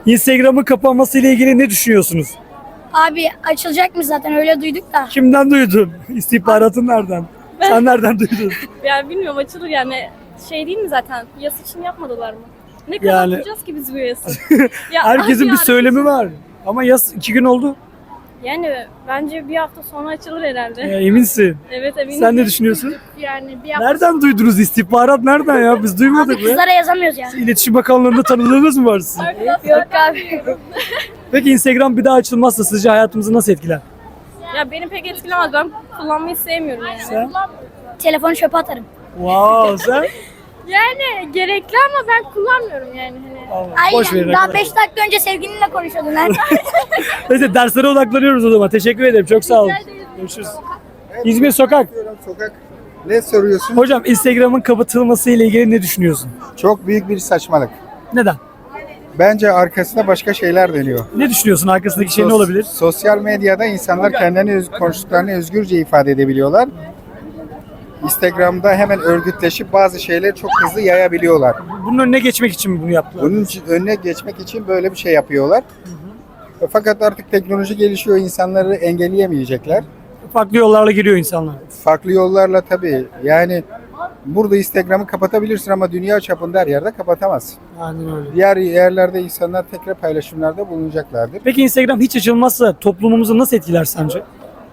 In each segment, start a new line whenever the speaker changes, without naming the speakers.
Instagram'ın kapanması ile ilgili ne düşünüyorsunuz?
Abi açılacak mı zaten öyle duyduk da.
Kimden duydun? İstihbaratın nereden? Sen nereden duydun?
Yani bilmiyorum açılır yani şey değil mi zaten yas için yapmadılar mı? Ne kadar
Yani-
tutacağız ki biz bu yası? Ya
Herkesin
abi
bir söylemi var. Ama yaz 2 gün oldu.
Yani bence bir hafta sonra açılır herhalde.
Eminsin.
Evet eminim.
Sen ne düşünüyorsun?
Yani bir hafta
Nereden duydunuz? İstihbarat nereden ya? Biz duymadık
abi
be.
kızlara yazamıyoruz yani.
İletişim Bakanlığı'nda tanıdığınız mı var sizin?
Yok abi.
Peki Instagram bir daha açılmazsa sizce hayatımızı nasıl etkiler?
Ya beni pek etkilemez. Ben kullanmayı sevmiyorum yani.
Sen?
Telefonu çöpe atarım.
Wow, sen?
Yani gerekli ama ben kullanmıyorum yani hani.
Boş verin.
Aynen. Daha 5 dakika önce sevgilinle konuşuyordun lan.
Neyse derslere odaklanıyoruz o zaman. Teşekkür ederim. Çok sağ olun. Görüşürüz. İzmir Sokak.
Sokak. Ne soruyorsun?
Hocam Instagram'ın kapatılması ile ilgili ne düşünüyorsun?
Çok büyük bir saçmalık.
Neden?
Bence arkasında başka şeyler dönüyor.
Ne düşünüyorsun? Arkasındaki şey ne olabilir?
Sosyal medyada insanlar kendilerini konuştuklarını özgürce ifade edebiliyorlar. Instagram'da hemen örgütleşip bazı şeyleri çok hızlı yayabiliyorlar.
Bunun önüne geçmek için mi bunu yaptılar?
Bunun için, önüne geçmek için böyle bir şey yapıyorlar. Fakat artık teknoloji gelişiyor, insanları engelleyemeyecekler.
Farklı yollarla giriyor insanlar.
Farklı yollarla tabii. Yani burada Instagram'ı kapatabilirsin ama dünya çapında her yerde kapatamazsın.
Aynen öyle.
Diğer yerlerde insanlar tekrar paylaşımlarda bulunacaklardır.
Peki Instagram hiç açılmazsa toplumumuzu nasıl etkiler sence?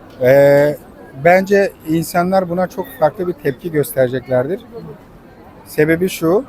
Bence insanlar buna çok farklı bir tepki göstereceklerdir. Sebebi şu,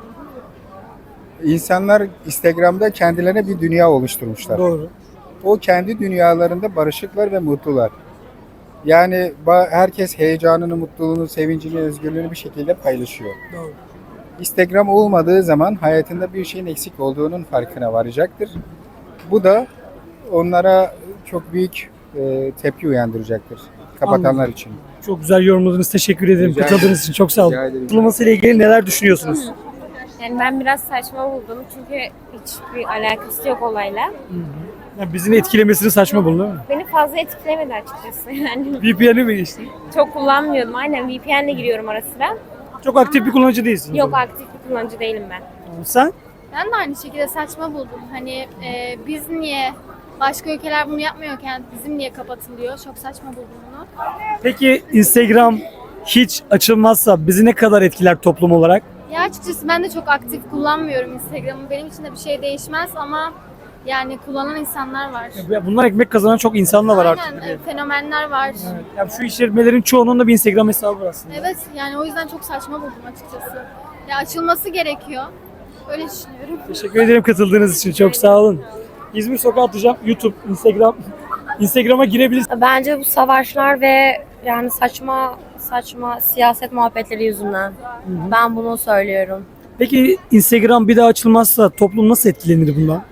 insanlar Instagram'da kendilerine bir dünya oluşturmuşlar.
Doğru.
O kendi dünyalarında barışıklar ve mutlular. Yani herkes heyecanını, mutluluğunu, sevincini, özgürlüğünü bir şekilde paylaşıyor.
Doğru.
Instagram olmadığı zaman hayatında bir şeyin eksik olduğunun farkına varacaktır. Bu da onlara çok büyük tepki uyandıracaktır. Kapatanlar
Anladım.
için.
Çok güzel yorumladınız. Teşekkür ederim.
Rica
Katıldığınız
ederim.
için çok sağ olun.
Rica ederim.
Kapatılması ile ilgili neler düşünüyorsunuz?
Yani ben biraz saçma buldum çünkü hiçbir alakası yok olayla.
Ya bizim etkilemesini saçma buldun değil mi?
Beni fazla etkilemedi açıkçası yani.
VPN'i mi geçti?
Çok kullanmıyordum. Aynen VPN'le giriyorum ara sıra.
Çok aktif bir kullanıcı değilsin.
Yok aktif bir kullanıcı değilim ben.
Sen?
Ben de aynı şekilde saçma buldum. Hani biz niye başka ülkeler bunu yapmıyorken bizim niye kapatılıyor? Çok saçma buldum bunu.
Peki Instagram hiç açılmazsa bizi ne kadar etkiler toplum olarak?
Ya açıkçası ben de çok aktif kullanmıyorum Instagram'ı. Benim için de bir şey değişmez ama yani kullanan insanlar var.
Ya bunlar ekmek kazanan çok insan da var artık.
Aynen fenomenler var.
Evet. Ya şu işletmelerin çoğunun da bir Instagram hesabı var aslında.
Evet yani o yüzden çok saçma buldum açıkçası. Ya açılması gerekiyor. Öyle düşünüyorum.
Teşekkür ederim katıldığınız için. Çok sağ olun. İzmir Sokağı atacağım. YouTube, Instagram. Instagram'a girebilirsiniz.
Bence bu savaşlar ve yani saçma siyaset muhabbetleri yüzünden. Ben bunu söylüyorum.
Peki Instagram bir daha açılmazsa toplum nasıl etkilenir bundan?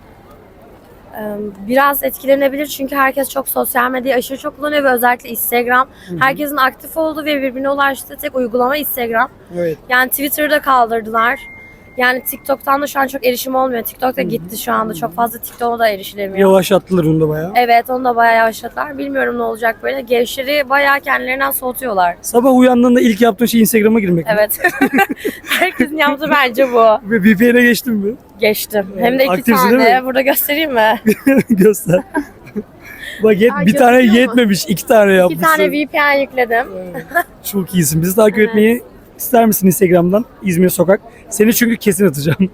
Biraz etkilenebilir çünkü herkes çok sosyal medyayı aşırı çok kullanıyor ve özellikle Instagram. Herkesin aktif olduğu ve birbirine ulaştığı tek uygulama Instagram.
Evet.
Yani Twitter'ı da kaldırdılar. Yani TikTok'tan da şu an çok erişim olmuyor. TikTok da gitti şu anda. Çok fazla TikTok'a da erişilemiyor.
Yavaşlattılar onu da bayağı.
Evet onu da bayağı yavaşlattılar. Bilmiyorum ne olacak böyle. Gençleri bayağı kendilerinden soğutuyorlar.
Sabah uyandığında ilk yaptığın şey Instagram'a girmek. mi?
Evet. Herkesin yaptığı bence bu.
Ve VPN'e geçtin mi?
Geçtim. Hem de iki
Aktifsin değil
tane.
mi?
Burada göstereyim mi?
Göster. Bak bir tane
gösteriyor mu?
yetmemiş. 2 tane
İki
yapmışsın.
tane VPN yükledim.
Çok iyisin. Bizi takip
Evet.
etmeyi ister misin Instagram'dan? İzmir Sokak. Seni çünkü kesin atacağım.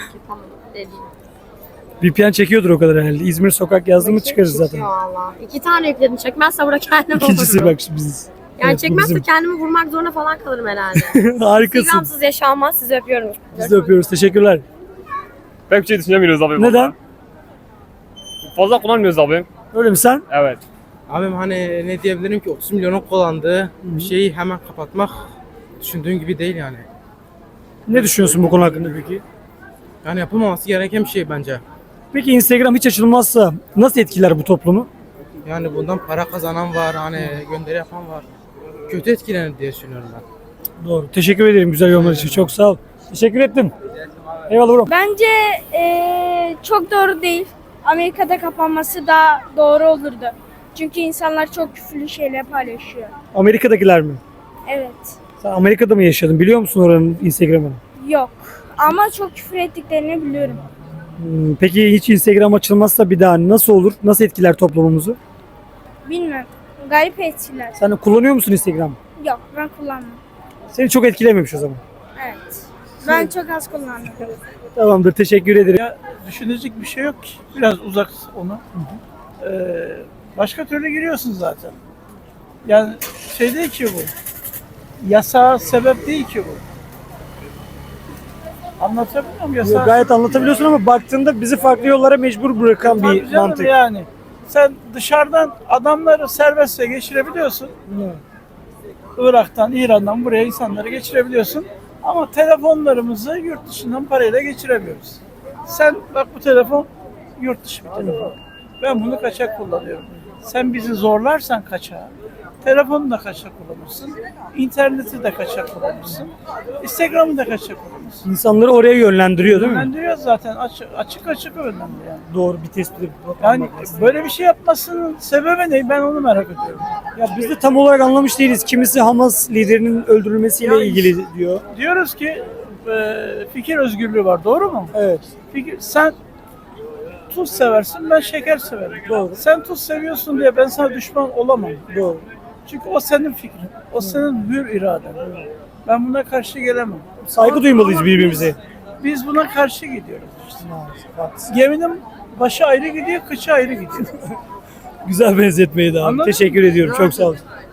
VPN çekiyordur o kadar herhalde. İzmir Sokak yazdığımı çıkarız zaten.
Valla. İki tane yükledim. Çekmezse burada kendim
İkincisi
olurum.
bak şu biziz.
Yani
Evet, bu
çekmezse
bizim.
kendimi vurmak zorunda falan kalırım herhalde.
Harikasın.
Instagramsız yaşanmaz. Sizi öpüyorum.
Biz de öpüyoruz. Teşekkürler.
Pek bir şey düşünemiyoruz abi.
Neden?
Vallahi. Fazla kullanmıyoruz abi.
Öyle mi sen?
Evet.
Abim hani ne diyebilirim ki 30 milyonun kullandığı bir şeyi hemen kapatmak düşündüğün gibi değil yani.
Ne düşünüyorsun bu konu hakkında peki?
Yani yapılmaması gereken bir şey bence.
Peki Instagram hiç açılmazsa nasıl etkiler bu toplumu?
Yani bundan para kazanan var, hani gönderi yapan var. Kötü etkilenir diye düşünüyorum ben.
Doğru. Teşekkür ederim güzel yorumlar için. Çok sağ ol. Teşekkür ettim. Eyvallah bro.
Bence çok doğru değil. Amerika'da kapanması daha doğru olurdu. Çünkü insanlar çok küfürlü şeyler paylaşıyor.
Amerika'dakiler mi?
Evet.
Sen Amerika'da mı yaşadın? Biliyor musun oranın Instagram'ını?
Yok. Ama çok küfür ettiklerini biliyorum.
Peki hiç Instagram açılmazsa bir daha nasıl olur? Nasıl etkiler toplumumuzu?
Bilmem. Garip etkiler.
Sen de kullanıyor musun Instagram?
Yok ben kullanmam.
Seni çok etkilememiş o zaman.
Evet. Ben çok az kullandım.
Tamamdır, teşekkür ederim.
Düşünecek bir şey yok ki. Biraz uzak onu. Başka türlü giriyorsun zaten. Yani şey değil ki bu. Yasa sebep değil ki bu. Anlatabiliyor muyum? Yasa
Gayet anlatabiliyorsun ama baktığında bizi farklı yollara mecbur bırakan
Tabii
bir
canım
mantık.
yani. Sen dışarıdan adamları serbestçe geçirebiliyorsun. Irak'tan, İran'dan buraya insanları geçirebiliyorsun. Ama telefonlarımızı yurt dışından parayla geçiremiyoruz. Sen bak bu telefon yurt dışı bir telefon. Ben bunu kaçak kullanıyorum. Sen bizi zorlarsan kaçağa, telefonu da kaçak kullanırsın, interneti de kaçak kullanırsın, Instagram'ı da kaçak kullanırsın.
İnsanları oraya yönlendiriyor değil mi?
Yönlendiriyor zaten, açık yönlendiriyor yani.
Doğru, bir tespit.
Yani böyle bir şey yapmasının sebebi ne? Ben onu merak ediyorum.
Ya biz de tam olarak anlamış değiliz. Kimisi Hamas liderinin öldürülmesiyle
Ya
ilgili diyor.
Diyoruz ki fikir özgürlüğü var, doğru mu?
Evet.
Sen tuz seversin, ben şeker severim.
Doğru.
Sen tuz seviyorsun diye ben sana düşman olamam.
Doğru.
Çünkü o senin fikrin, o senin hür iraden. Ben buna karşı gelemem.
Saygı duymalıyız birbirimize.
Biz buna karşı gidiyoruz işte. Geminin başı ayrı gidiyor, kıçı ayrı gidiyor.
Güzel benzetmeydi abi.
Anladın mı?
Teşekkür ediyorum. Çok sağ olun.